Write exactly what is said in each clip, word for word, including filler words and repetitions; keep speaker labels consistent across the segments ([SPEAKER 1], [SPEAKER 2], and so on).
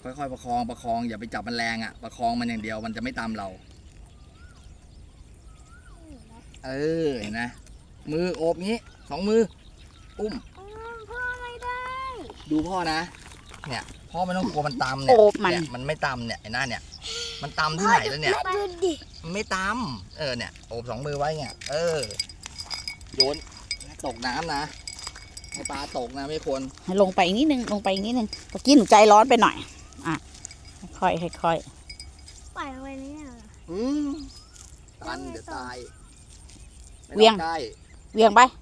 [SPEAKER 1] ค่อยๆประคองประคองอย่าไปจับมันแรงอ่ะประคองมันอย่างเดียวมันจะไม่ตามเราเออเห็นนะมือโอบงี้สองมืออุ้ม
[SPEAKER 2] พ่อไม่ได้
[SPEAKER 1] ดูพ่อนะเนี่ยพ่อไม่ต้องกลัวมันตำเนี่ย
[SPEAKER 3] โอบมัน
[SPEAKER 1] เนี่ยมันไม่ตำเนี่ยไอ้หน้าเนี่ยมันตำที่ไหนแล้วเนี่ย
[SPEAKER 2] ดูดิ
[SPEAKER 1] มันไม่ตำเออเนี่ยโอบสองมือไว้เนี่ยเออโยนตกน้ำนะให้ปลาตกนะไม่ควร
[SPEAKER 3] ลงไปอีกนิดนึงลงไปอีกนิดนึงเมื่อกี้หนูใจร้อนไปหน่อยอ่ะค่อยๆค่อย
[SPEAKER 2] ปล่อยเอาไว้เนี่ย
[SPEAKER 1] อืมตันเดี๋ยวตาย
[SPEAKER 3] ๆเวียง
[SPEAKER 1] ได้
[SPEAKER 3] เวียงไป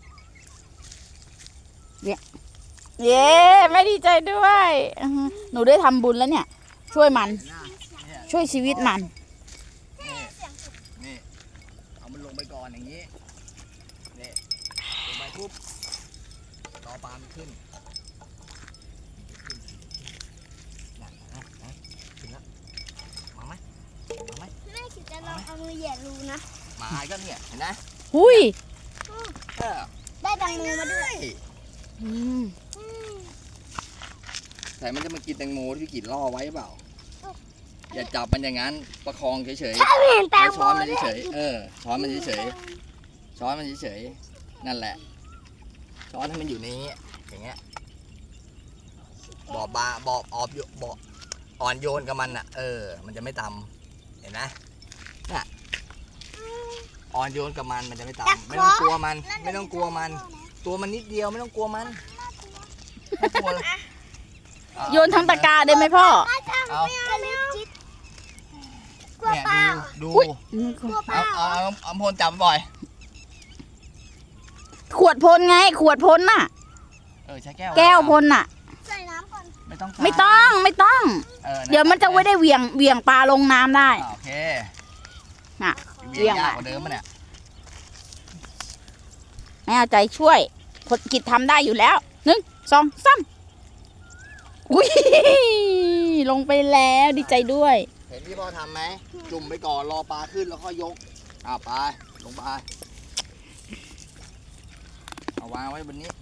[SPEAKER 3] เวียงเย้แม่ดีใจด้วยอือฮึหนูได้ทำบุญแล้วเนี่ย ช่วยมัน
[SPEAKER 1] เนี่ย
[SPEAKER 3] ช่วยชีวิตมัน
[SPEAKER 1] นี่นี่เอามันลงไปก่อนอย่างนี้นี่ลงไปปุ๊บรอปลามันขึ้นขึ้นนั่นนะนะขึ้นแล้วมาไหมมาไหม
[SPEAKER 2] แม่คิดจะลองเอามือแหย่รูนะ
[SPEAKER 1] มาก็เนี่ยเห็นไหม
[SPEAKER 3] หุย
[SPEAKER 1] เออ
[SPEAKER 2] ได้แตงโมมาด้วย
[SPEAKER 3] อืม
[SPEAKER 1] แต่มันจะมากินแตงโมที่พี่กินล่อไว้เปล่าอย่าจับมันอย่างนั้นประคองเฉยๆ
[SPEAKER 2] ถ้าเห็นแต
[SPEAKER 1] แค่
[SPEAKER 2] งโม
[SPEAKER 1] ช้อนมัน
[SPEAKER 2] ด้วย
[SPEAKER 1] เฉยๆเออช้อนมันเฉยๆช้อนมันเฉยๆนั่นแหละช้อนให้มันอยู่ในนี้อย่างเงี้ยบอบบาบอบออบโยบอบอ่อนโยนกับมันอ่ะเออมันจะไม่ตำเห็นไหมน่ะอ่อนโยนกับมันมันจะไม่ตำไม่ต้องกลัวมัน ไม่ต้องกลัวมัน ตัวมันนิดเดียวไม่ต้องกลัวมันไม่กลัวเลย
[SPEAKER 3] โยนทั้งตะกร้าได้ไหมพ่อ
[SPEAKER 1] เอา
[SPEAKER 2] กระลิบจิตกลัว
[SPEAKER 1] เนี่ย
[SPEAKER 2] เปล่า
[SPEAKER 1] ดู
[SPEAKER 3] อืม
[SPEAKER 2] กลัวเป
[SPEAKER 1] เอา
[SPEAKER 2] ล่า
[SPEAKER 1] เอาเอาเอาพลจับบ่อย
[SPEAKER 3] ขวดพ่นไง ขวดพ่นน่ะ
[SPEAKER 1] เออใช้แก้ว
[SPEAKER 3] แก้วพ่นน่ะ
[SPEAKER 2] ใส่น้ำก่อน
[SPEAKER 1] ไม่ต้อง
[SPEAKER 3] ไม่ต้องไม่ต้อง
[SPEAKER 1] ออ
[SPEAKER 3] เดี๋ยวมันจะไม่ได้เหวี่ยงเหวี่ยงปลาลงน้ำได้
[SPEAKER 1] อ่าโอเค
[SPEAKER 3] น่ะ
[SPEAKER 1] เวียง
[SPEAKER 3] เวียง
[SPEAKER 1] ยาก
[SPEAKER 3] อะ
[SPEAKER 1] กว่าเดิมมั้ยเนี่ย
[SPEAKER 3] แม่เอาใจช่วยคนกิจทำได้อยู่แล้วหนึ่งสองสามอุ้ยลงไปแล้วดีใจด้วย
[SPEAKER 1] เห็นที่พ่อทำไหมจุ่มไปก่อนรอปลาขึ้นแล้วค่อยยกอ่าไปลงไปเอาวางไว้บนนี้